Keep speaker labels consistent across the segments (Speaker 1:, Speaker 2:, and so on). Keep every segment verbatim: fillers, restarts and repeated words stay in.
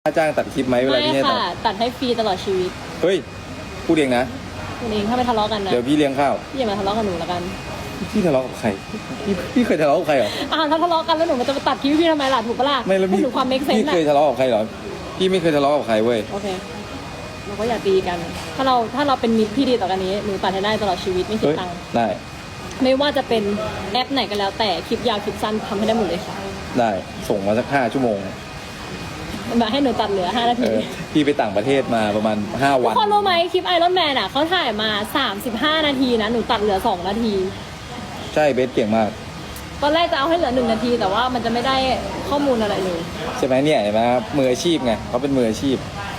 Speaker 1: ค่าจ้างตัดคลิปไหมเวลา
Speaker 2: ไม่
Speaker 1: พี่ให้ตัด
Speaker 2: ค่ะ ตัดให้ฟรีตลอดชีวิต
Speaker 1: เฮ้ยพูดเองนะ
Speaker 2: คุณเองถ้าไม่ทะเลาะกันนะ
Speaker 1: เดี๋ยวพี่เลี้ยงข้าว
Speaker 2: พี่อย่ามาทะเลาะกับหนูแล้วกัน
Speaker 1: พี่ทะเลาะกับใครพี่พี่เคยทะเลาะกับใครเหรอ
Speaker 2: อ้าวถ้าทะเลาะกันแล้วหนูมันจะมาตัดคลิปพี่ทำไมล่ะถูกปะล่ะ
Speaker 1: ไม่แล้วพี่
Speaker 2: หนูความเมคเซน
Speaker 1: พี่
Speaker 2: ต์
Speaker 1: เคย
Speaker 2: อะ
Speaker 1: ทะเลาะกับใครเหรอพี่ไม่เคยทะเลาะกับใครเว้ย
Speaker 2: โอเคเราก็อย่าตีกัน ถ้าเราถ้าเราเป็นมิตรที่ดีต่อกันนี้หนูตัดให้ได้ตลอดชีวิตไม่คิด
Speaker 1: เฮ้ย
Speaker 2: ตังค์
Speaker 1: ได้
Speaker 2: ไม่ว่าจะเป็นแอปไหนก็แล้วแต่คลิปยาวคลิปสั้นทำให้ได้หมดเลยค่ะ
Speaker 1: ได้ส่งมาสักห้าชั่วโมง
Speaker 2: แบบให้หนูตัดเหลือห้านา
Speaker 1: เอ
Speaker 2: ที
Speaker 1: อพี่ไปต่างประเทศมาประมาณห้า
Speaker 2: ทุ
Speaker 1: วั
Speaker 2: ก
Speaker 1: น
Speaker 2: คนรู้ไหมคลิปไอรอนแมนอ่ะเขาถ่ายมาสามสิบห้านาทีนะหนูตัดเหลือสองนาที
Speaker 1: ใช่เบสเก่งมาก
Speaker 2: ตอนแรกจะเอาให้เหลือหนึ่งนาที แต่ว่ามันจะไม่ได้ข้อมูลอะไรเลย
Speaker 1: ใช่ไหมเนี่ยเห็นไหมครับมืออาชีพไงเขาเป็นมืออาชีพ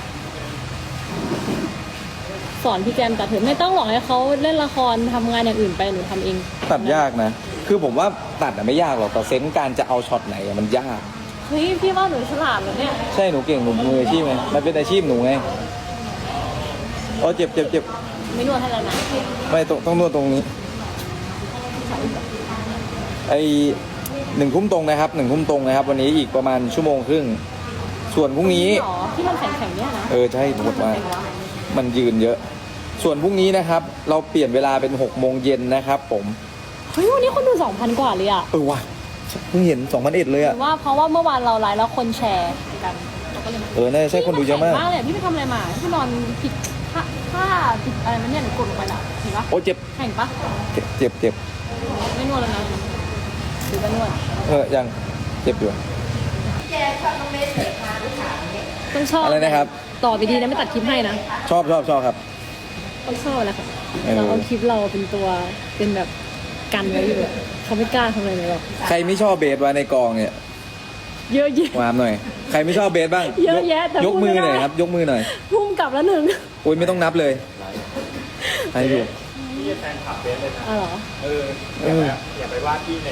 Speaker 2: สอนพี่แจมตัดเถอะไม่ต้องหรอกให้เขาเล่นละครทำงานอย่างอื่นไปหนูทำเอง
Speaker 1: ตัดยากนะ คือผมว่าตัดอะไม่ยากหรอกแต่เซนส์การจะเอาช็อตไหนอะมันยาก
Speaker 2: เฮ้ยพี่ว่าหนูฉลาดเหรอเนี่ย
Speaker 1: ใช่หนูเก่งหนูมืออาชีพไงมันเป็นอาชีพหนูไงโอ้เจ็บเจ็บเจ็บ
Speaker 2: ไม่นวดให้แล้วนะ
Speaker 1: ไม่ต้องต้องนวดตรงนี้ไอหนึ่งทุ่มตรงนะครับหนึ่งทุ่มตรงนะครับ วันนี้อีกประมาณชั่วโมงครึ่งส่วนพรุ่งนี้
Speaker 2: หรอที่มันแข็งๆเนี่ยนะ
Speaker 1: เออใช่หมดมากมันยืนเยอะ ส่วนพรุ่งนี้นะครับ เราเปลี่ยนเวลาเป็นหกโมงเย็นนะครับ ผม
Speaker 2: เฮ้ยวันนี้คนดูสองพันกว่าเลยอ่ะ
Speaker 1: เออว่ะเพิ่งเห็นสองพันเอ็ดเลย
Speaker 2: ห
Speaker 1: อะ
Speaker 2: รือว่าเพราะว่าเมื่อวานเราไลฟ์แล้วคนแชร์กันเราก็เลย
Speaker 1: เออน่าจะใช่คนดูเยอะมาก
Speaker 2: พี่นแข็งมากเลยพี่ไปทำอะไรมาพี่นอนผิดท่าท่าผิดอะไรมันเนี่ยหนูกดลงไปละเห็นปะ
Speaker 1: โอ้เจ็บ
Speaker 2: แข็งปะ
Speaker 1: เจ็บเจ็บเจ็บ
Speaker 2: ไม่นวดแล้วนะหรือจะนวด
Speaker 1: เออยังเจ็บอยู่
Speaker 2: ต้องชอบ
Speaker 1: อะไรนะครับ
Speaker 2: ต่อไปดีนะไม่ตัดคลิปให้นะ
Speaker 1: ชอบชอบชอบครับ
Speaker 2: ต้องชอบแหละค่ะ
Speaker 1: เออ
Speaker 2: เราเอาคลิปเราเป็นตัวเป็นแบบกันไว้อยู่อะเขาไม่กล้าทำอะไรเลยหรอก
Speaker 1: ใครไม่ชอบเบสวะในกองเนี่ย
Speaker 2: เยอะแยะ
Speaker 1: วามหน่อย ใครไม่ชอบเบสบ้าง
Speaker 2: เยอะแยะแต่
Speaker 1: ยก
Speaker 2: พูด
Speaker 1: มื
Speaker 2: ไม่
Speaker 1: อหน่อย
Speaker 2: ได้
Speaker 1: ครับ ยกมือหน่อย
Speaker 2: พุ่มกลับแล้วหนึ่ง
Speaker 1: โอ้ยไม่ต้องนับเลยให้ดู
Speaker 2: อ๋อเหรอ
Speaker 1: เออ
Speaker 3: อย่าไปว่าพี่ใน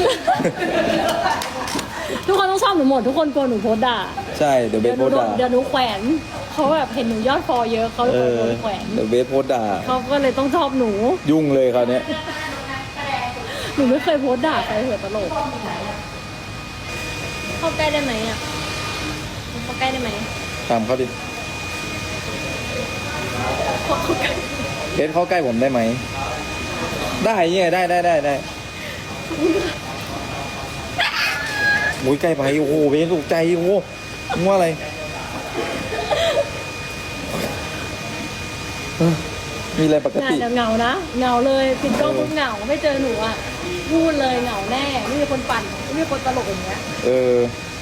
Speaker 2: ทุกคนต้องชอบหนูหมดทุกคนกลัวหนูโพสต์ด่า
Speaker 1: ใช่เดี๋ยวเบ
Speaker 2: เดี๋ย
Speaker 1: ส
Speaker 2: วห นูโด
Speaker 1: โพสต์ด่า
Speaker 2: นเดี๋ยวหนูแขวนเขาแบบเห็นหนูยอดฟอลเยอะเขาเลย
Speaker 1: เออ
Speaker 2: โดนแขวน
Speaker 1: เดี๋ยวเบสโพสต์ด่า
Speaker 2: เขาก็เลยต้องชอบหนู
Speaker 1: ยุ่งเลยคราวเนี้ย
Speaker 2: หนูไม่เคยโพสต์ด่าใครเหอะตลกเข้าใกล้ได้ไหมอ่ะเข้าใกล้ได้ไหม
Speaker 1: ตามเขาดิ
Speaker 2: เข้าใกล้
Speaker 1: เบสเข้าใกล้ผมได้ไหมได้เนี่ยได้ได้ได้ได้โอ้ยใกล้ไปโอ้โหเบสตกใจโอ้โหมึงว่าอะไรเออมีอะไรปก
Speaker 2: งาน
Speaker 1: ติ
Speaker 2: จะเหงานะเหงาเลยปิดกล้องปุ๊บเหงาไม่เจอหนูอ่ะพูดเลยเหงาแน่ไม่มีคนปั่นไม่มีคนตลกอย่างเงี้ย
Speaker 1: เออ